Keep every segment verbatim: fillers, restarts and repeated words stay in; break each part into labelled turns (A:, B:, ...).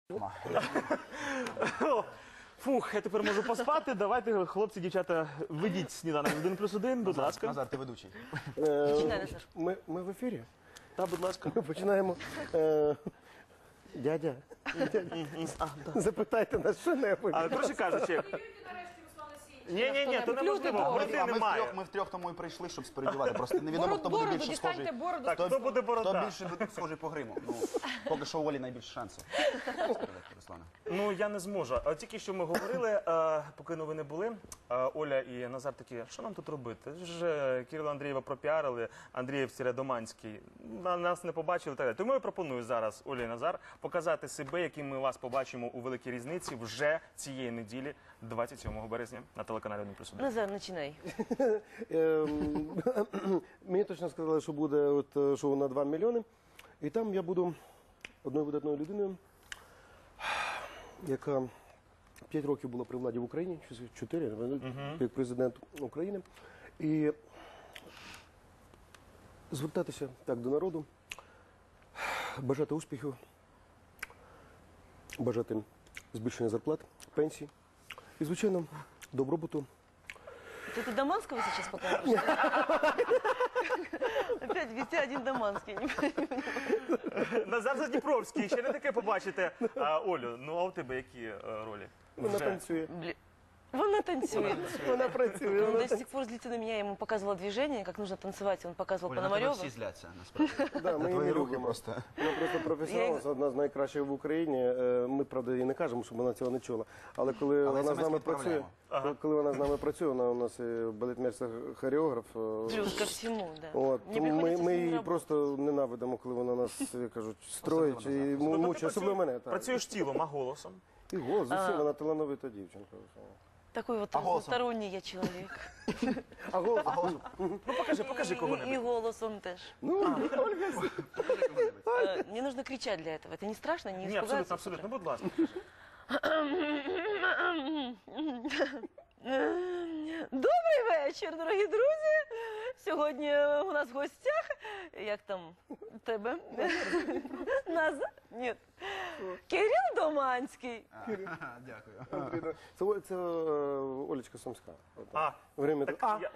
A: Фух, я тепер можу поспати. Давайте, хлопці, дівчата, ведіть сніданок один плюс один, будь ласка.
B: Назар, ти ведучий.
C: Ми, ми в ефірі.
A: Та, будь ласка.
C: Ми починаємо. Е, дядя, запитайте нас що-небудь.
A: Але, коротше кажучи... Ні, ні, ні, то неможливо, бороди
B: А ми
A: немає.
B: втрьох, ми втрьох тому і прийшли, щоб спередювати. Просто невідомо, хто буде більше схожий.
A: Так, хто буде борода?
B: Хто більше буде схожий по гриму. Ну, поки що у Олі найбільше шансів. Спередити, Руслане.
A: Ну, я не зможу. А тільки що ми говорили, а, поки новини були, а, Оля і Назар такі, що нам тут робити? Ж Кирила Андрієва пропіарили, Андрієв-Доманський, на нас не побачили. Так. Тому я пропоную зараз, Оля і Назар, показати себе, яким ми вас побачимо у Великій Різниці вже цієї неділі, двадцять сьомого березня, на телеканалі один плюс один.
D: Назар, починай.
C: Мені точно сказали, що буде от шоу на два мільйони. І там я буду одною видатною людиною, яка п'ять років була при владі в Україні, чотири, як президент України. І звертатися так до народу, бажати успіхів, бажати збільшення зарплат, пенсій і, звичайно, добробуту.
D: Ты это Доманского сейчас покажешь? Опять везде один Доманский.
A: Назар Задніпровський, ще не таке побачите. А, Олю, ну а у тебе які е, ролі?
C: Вона
A: Вже.
C: танцює.
D: Вона танцует.
C: Вона працює.
D: Он до сих пор злится на меня, я ему показывала движение, как нужно танцевать, он показывал
B: Оля, на тебе
D: Пономарёва.
B: всі зляться, насправді.
C: Да,
B: На
C: ми її
B: твої
C: не
B: рухи
C: любимо.
B: просто.
C: Вона просто професіонал, це одна з найкращих в Україні. Е, Ми, правда, і не кажемо, щоб вона цього не чула. Але коли
B: Але
C: вона з нами
B: смс
C: працює,
B: відправляємо.
C: коли вона з нами працює, вона у нас і балетмейстер хореограф. е,
D: Плюс ко всему, да.
C: От,
D: Мне
C: тому ми,
D: приходится
C: ми
D: с ним
C: її
D: работать.
C: просто ненавидимо, коли вона нас, як кажуть, строїть і му- мучить, особливо мене. Так.
A: Працюєш тілом, а голосом?
C: І голос, усім, вона талановита дівчинка.
D: Такой вот
B: А голосом?
D: разносторонний я человек.
C: А голос?
A: Ну покажи, покажи
D: И, и
A: кого-небудь.
D: голосом тоже.
C: Ну,
D: Э, Не нужно кричать для этого. Это не страшно, не
A: Ні,
D: испугаться.
A: абсолютно, абсолютно, будь ласка.
D: Добрий вечір, дорогі друзі. Сьогодні у нас в гостях, як там у тебе? Назар? Ні. Кирил Доманський.
B: Дякую.
C: це, це е, Олечка Сумська. От,
A: А,
C: Время... А,
A: я,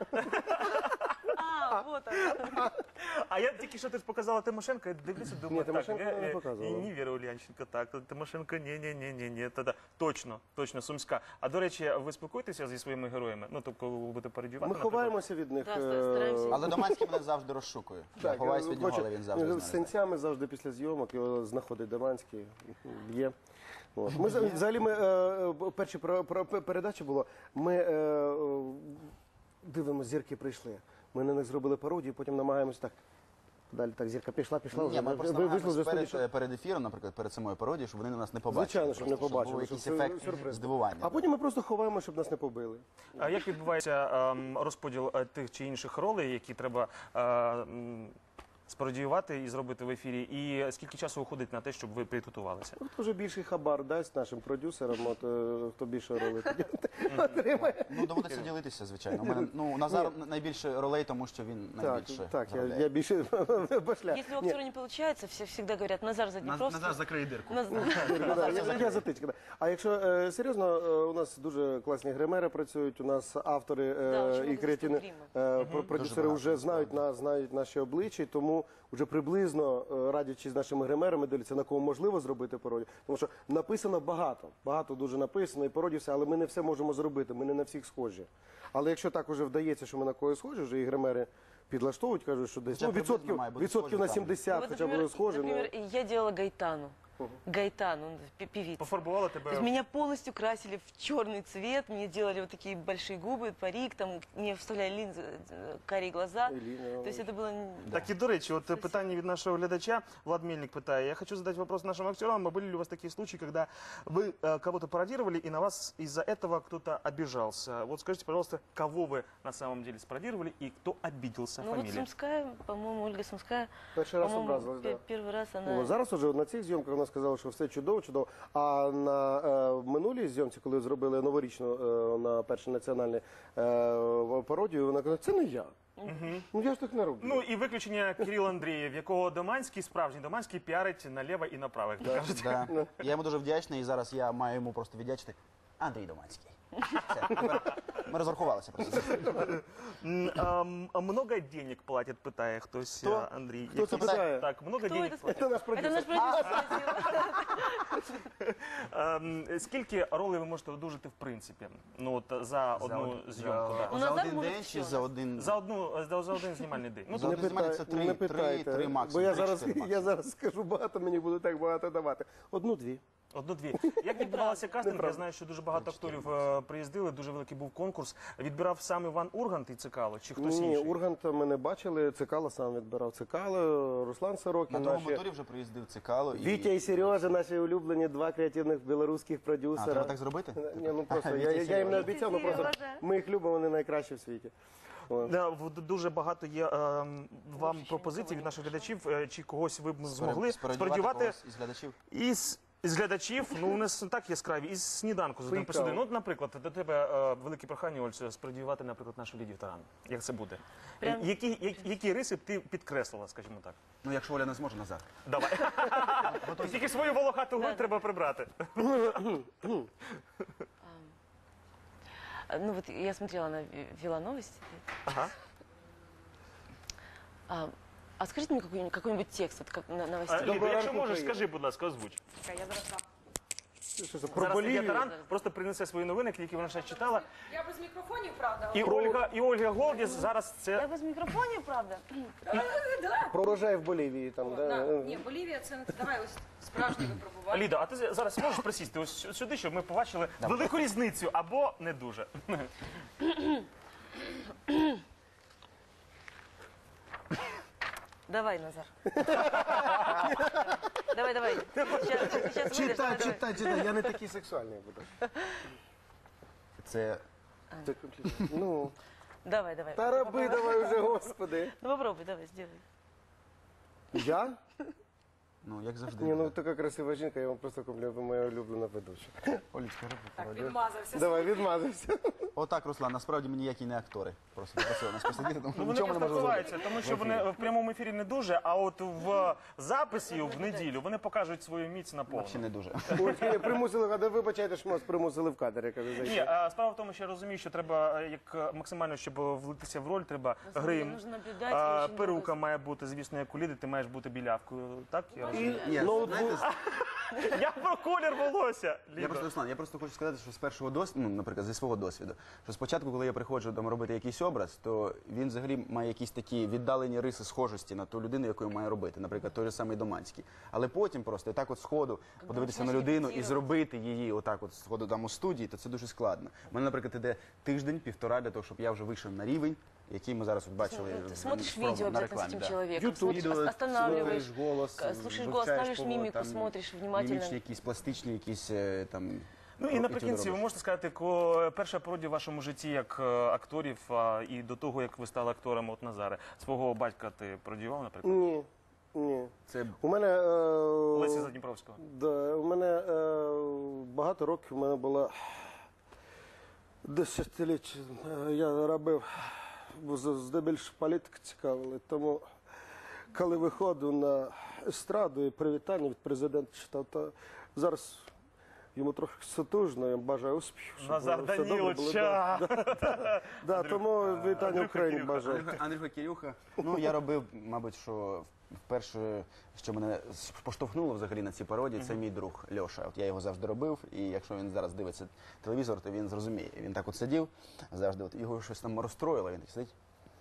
D: А, вот она.
A: а я тільки що ти ж показала Тимошенко, я дивлюся, думаю,
C: Ні, Тимошенко
A: так,
C: не
A: е,
C: показувала.
A: і ні, Віра Ульянченко, так, Тимошенко, ні, ні, ні, ні, ні, та-да. Точно, точно, Сумська. А до речі, ви спілкуєтеся зі своїми героями? Ну, тобто, коли ви будете пародіювати,
C: Ми
A: наприклад?
C: ховаємося від них.
D: Да,
C: е,
D: стараємося.
B: Але Доманський мене завжди розшукує. Я
C: Так,
B: ховаюсь від нього,
C: хоче-
B: але він завжди
C: з
B: знає.
C: синцями завжди після зйомок його знаходить Доманський, б'є. От. Ми за- взагалі ми е, е, перші про, про, передачі було. Ми е, е, дивимося, зірки прийшли. Ми на них зробили пародію, потім намагаємося так. Далі так зірка пішла, пішла.
B: Ні,
C: вже,
B: ми
C: ви-
B: просто
C: ви- вийшли
B: намагаємось
C: вже
B: перед,
C: студії,
B: перед ефіром, наприклад, перед самою пародією, щоб вони нас не побачили.
C: Звичайно, щоб не
B: Просто,
C: побачили.
B: був
C: щоб
B: якийсь
C: це
B: ефект
C: сюрприз.
B: здивування.
C: А потім ми просто ховаємо, щоб нас не побили.
A: А як відбувається ем, розподіл е, тих чи інших ролей, які треба е, м, спародіювати і зробити в ефірі? І скільки часу уходить на те, щоб ви підготувалися?
C: Хто вже більший хабар дасть нашим продюсерам, от, е, хто більше ролей тоді отримає.
B: Ну, доводиться ділитися, звичайно. У мене, ну, Назар найбільше ролей, тому що він
C: Так,
B: найбільше
C: так, я,
B: заробляє.
C: я більше башля.
D: Если у актера не получается, все всегда говорят, Назар Заднепровский.
B: Назар закриє дирку.
D: Наз-
C: Ну, да, я, я затичка. Да. А якщо е, серйозно, е, у нас дуже класні гримери працюють, у нас автори е,
D: Да, очень
C: і
D: много
C: креативні
D: гриму.
C: е, про- продюсери
B: багато,
C: вже знають нас, знають наші обличчя, тому вже приблизно е, радячись з нашими гримерами, дивляться, на кого можливо зробити пародію. Тому що написано багато, багато дуже написано і пародій все, але ми не все можемо зробити, ми не на всіх схожі. Але якщо так уже вдається, що ми на когось схожі, вже і гримери підлаштовують, кажуть, що десь
B: Хоча
C: ну,
B: б приблизно
C: відсотків,
B: має бути
C: відсотків на
B: схожі там.
C: сімдесят,
D: Вот,
C: хоча б
D: например,
C: схожі. ну.
D: например, я делала Гайтану. Гайтан, он пе- певица.
A: Пофарбувала
D: То есть
A: тебе?
D: меня полностью красили в черный цвет, мне делали вот такие большие губы, парик, там мне вставляли линзы, э, карие глаза.
C: Іліна,
D: То есть это было... н-
A: Так і до речі, от питання від нашого глядача, Влад Мельник питає, я хочу задать вопрос нашим актерам, а были ли у вас такие случаи, когда вы э, кого-то пародировали и на вас из-за этого кто-то обижался? Вот скажите, пожалуйста, кого вы на самом деле спародировали и кто обиделся,
D: Ну вот
A: фамилия?
D: Сумская, по-моему, Ольга Сумская,
C: Перший раз
D: по-моему,
C: образилась,
D: пе-
C: да.
D: первый раз она...
C: Ну, зараз уже на цих зйомках у вона сказала, що все чудово, чудово. А на е, минулій зйомці, коли зробили новорічну е, на перший національний е, пародію, вона казала, це не я. Ну я ж так не роблю.
A: Ну і виключення Кирил Андрієв, якого Доманський, справжній Доманський, піарить наліво і направо, як то кажуть.
B: Да. Я йому дуже вдячний, і зараз я маю йому просто віддячити. Андрій Доманський. Все, тепер ми розрахувалися просто.
A: М, а, м, а много денег платять, питає хтось,
C: Хто?
A: а, Андрій.
C: Хто це
A: Якийсь-
C: питає?
A: Так, много
D: Кто
A: денег
D: это
A: платять.
C: Це наш
D: Это
C: продюсер.
D: наш продюсер спросил.
A: Ем, Скільки ролей ви можете одужати в принципі? Ну от за одну
B: од-
A: зйомку,
B: за,
A: да.
D: У
B: за
D: нас
B: один
D: буде
B: день
D: всьо
B: чи
D: у
B: за
D: нас.
B: один?
A: За одну за, за один знімальний день. Ну
B: За
A: то
B: один знімальний це три,
C: не
B: три,
C: питайте,
B: три
C: бо
B: максимум.
C: я
B: три,
C: зараз,
B: чотири
C: я
B: максимум.
C: зараз скажу багато, мені буде так багато давати. Одну-дві.
A: одну-дві. Як відбувався кастинг? Я знаю, що дуже багато акторів е, приїздили, дуже великий був конкурс. Відбирав сам Іван Ургант і Цикало, чи хтось
C: Ні,
A: інший?
C: Урганта ми не бачили, Цикало сам відбирав. Цикало, Руслан Сорокін.
B: На тому
C: наші-
B: моторі вже приїздив Цикало. і-
C: Вітя і Сережа, наші улюблені два креативних білоруських
B: А,
C: продюсера.
B: треба так зробити?
C: Ні, ну просто
B: Вітя
C: я,
B: і
C: я,
B: Сережа.
C: їм не обіцяв, ну просто
D: Сережа.
C: ми їх любимо, вони найкращі в світі. О.
A: Да, в- дуже багато є ем, вам
D: ще
A: пропозицій
D: нікого
A: від
D: не
A: наших
D: прийшло.
A: глядачів, е, чи когось ви б
B: Споря-
A: змогли
B: спорядувати
A: спорядувати
B: когось із глядачів?
A: із. З глядачів, ну у нас не так яскраві, із сніданку з один плюс один. Ну, от, наприклад, до тебе е, велике прохання, Ольцю, спровадувати, наприклад, нашу Лідію Таран. Як це буде?
D: Прям-
A: Які, які, які риси б ти підкреслила, скажімо так?
B: Ну, якщо Оля не зможе, назад.
A: Давай. Тільки свою волохату грудь треба прибрати.
D: А, Ну вот я смотрела, она вела новости.
A: Ага.
D: А, а скажите мне какой-нибудь, какой-нибудь текст вот, как на
A: А,
D: новостей.
A: Ліда,
C: Доброго
A: якщо
C: ранку,
A: можеш,
C: Україна.
A: скажи, будь ласка, озвуч.
E: Я зараз дам.
C: Що це, про
A: Зараз Лідія
C: Болівію?
A: Таран просто принесе свої новини, які вона ще читала.
E: Я без мікрофонів, правда?
A: І Ольга, і Ольга Голдіс зараз
D: Я
A: це...
D: без микрофона, правда?
C: Про урожай в Болівії. Там,
E: О,
C: да.
E: да. Ні, Болівія це не давай ось справжнє випробування.
A: Ліда, а ти зараз можеш присісти ось сюди, щоб ми побачили велику різницю або не дуже.
D: Давай, Назар. Давай, давай. Сейчас, сейчас выйдешь, давай, давай.
C: читай, читай, я не такий сексуальний буду.
B: Це
C: Так, ну,
D: Давай, давай.
C: та роби давай вже, господи.
D: Ну попробуй, давай, сделай.
C: Я?
B: Ну, як завжди.
C: Ні, ну така красива жінка, я вам просто комплімент, ви моя улюблена ведуча.
B: Олічка, роби
E: Так,
B: пародію.
E: відмазався.
C: Давай, відмазався.
B: Отак, Руслан, насправді ми ніякі не актори. Просто попросили нас посидіти, тому
A: Ну, вони
B: нічого ми не
A: просто
B: можемо зробити.
A: ховаються, тому що вони в прямому ефірі не дуже, а от в записі в неділю вони покажуть свою міць на
B: Взагалі
A: повну.
B: не дуже.
C: Ось, ні, примусили, а вибачайте, що нас примусили в кадр, я кажу,
A: Ні,
C: зайти.
A: а справа в тому, що я розумію, що треба е, як е, максимально, щоб влитися в роль, треба
D: На самом деле
A: грим,
D: нужно наблюдать
A: а,
D: очень
A: перука
D: много.
A: має бути, звісно, як у Ліди, ти маєш бути білявкою. Так? Я,
C: І
A: розумію?
B: Ні,
C: ноутбук.
B: знаєте,
A: Я про колір волосся.
B: Я
A: Ліда.
B: просто Руслан, я просто хочу сказати, що з першого досвіду, ну, наприклад, зі свого досвіду, що спочатку, коли я приходжу там робити якийсь образ, то він взагалі має якісь такі віддалені риси схожості на ту людину, яку я маю робити, наприклад, той же самий Доманський. Але потім просто так от сходу подивитися на
D: починаєш
B: людину і
D: репетирувати.
B: зробити її отак от сходу там у студії, то це дуже складно. У мене, наприклад, іде тиждень-півтора для того, щоб я вже вийшов на рівень, який ми зараз от бачили
D: Ты
B: в-
D: смотришь
B: в промо-
D: видео
B: на
D: обязательно с
B: рекламі.
D: этим
B: да.
D: человеком,
C: YouTube.
D: смотришь,
C: Відео,
D: ос- останавливаешь,
C: слухаєш голос,
D: к- слушаешь голос,
C: вивчаєш
D: ставишь
C: по-
D: мимику,
C: там,
D: смотришь внимательно.
B: Мімічні якісь, пластичні якісь е, там...
A: Ну і
B: ро-
A: наприкінці ви
B: робиш.
A: можете сказати, ко перша пародія в вашому житті як е, акторів, а, і до того, як ви стали актором от Назаре. Свого батька ти пародіював, наприклад?
C: Ні, ні.
B: Це
C: У мене... е,
A: Лесі Задніпровського.
C: Да, у мене е, багато років у мене було десятиліття. е, Я робив, бо з- здебільшого політика цікавили. Тому коли виходив на естраду і привітання від президента читав, то зараз йому трохи сутужно, я бажаю успіху. щоб
A: Назар
C: все добре було.
A: Даніловича!
C: Да, да, тому вітання
A: Андрюха
C: Україні
A: Кирюха.
C: бажаю.
B: Андрюха, Андрюха Кирюха. Ну, я робив, мабуть, що вперше, що мене поштовхнуло взагалі на ці пародії, це мій друг Льоша. От я його завжди робив, і якщо він зараз дивиться телевізор, то він зрозуміє. Він так от сидів, завжди от його щось там розстроїло, він так сидить.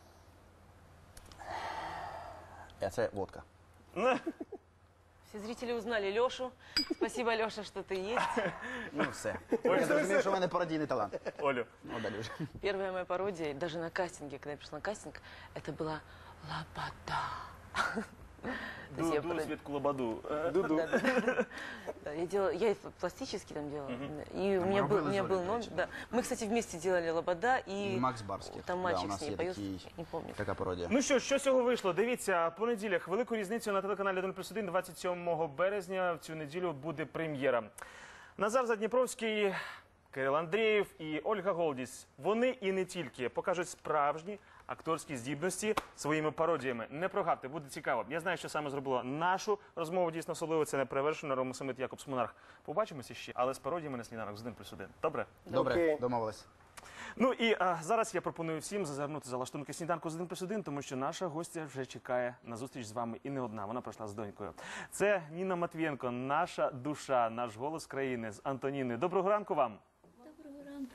B: А це водка.
D: Все зрители узнали Лешу. Спасибо, Леша, что ты есть.
B: Ну, все. Я зрозумів, що в мене пародійний талант.
A: Олю.
B: Ну, далі вже.
D: Первая моя пародия, даже на кастинге, когда я пришла на кастинг, это была лопата. То есть я
A: Ду-
D: про-
A: Досвід Кулабаду. Е,
C: Дуду.
D: Да, да. Да, я делала, я и пластический там делала. И у
B: мы
D: меня был,
B: работали
D: у меня
B: с
D: был
B: Олей
D: номер.
B: Гаичной.
D: Да. Мы, кстати, вместе делали Лобода и,
B: І Макс Барських.
D: там
B: Да,
D: мальчик
B: у нас
D: с ней
B: є
D: поет,
B: такий,
D: не помню.
B: така пародія.
A: Ну що, що з цього вийшло? Дивіться, по неділях велику різницю на телеканалі один плюс один двадцять сьомого березня в цю неділю буде прем'єра. Назар Задніпровський, Кирил Андрієв і Ольга Голдіс. Вони і не тільки покажуть справжні акторські здібності своїми пародіями. Не прогавте, буде цікаво. Я знаю, що саме зробило нашу розмову дійсно особливо. Це неперевершено Рома Самит, Якобс Монарх. Побачимося ще, але з пародіями на сніданок з один плюс один. Добре?
B: Добре,
C: Окей.
B: домовились.
A: Ну і а, зараз я пропоную всім зазирнути за лаштунки сніданку з один плюс один, тому що наша гостя вже чекає на зустріч з вами і не одна. Вона прийшла з донькою. Це Ніна Матвієнко, наша душа, наш голос країни з Антоніною. Доброго ранку вам.
F: Доброго ранку.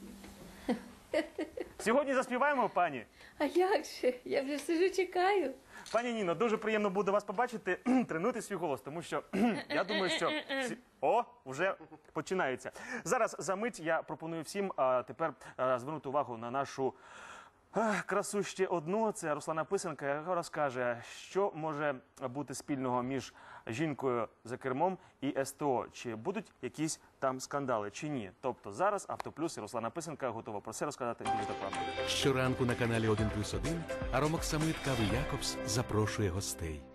A: Сьогодні заспіваємо, пані.
F: А як же? Я вже сижу, чекаю.
A: Пані Ніно, дуже приємно буде вас побачити. Тренуйте свій голос, тому що я думаю, що всі... О, вже починається. Зараз за мить я пропоную всім а, тепер а, звернути увагу на нашу а, красу ще одну. Це Руслана Писанка, яка розкаже, що може бути спільного між жінкою за кермом і СТО. Чи будуть якісь там скандали, чи ні. Тобто зараз Автоплюс і Руслана Писанка готова про це розказати більш докладно.
G: Щоранку на каналі один плюс один Аромок Самит Кави Якобс запрошує гостей.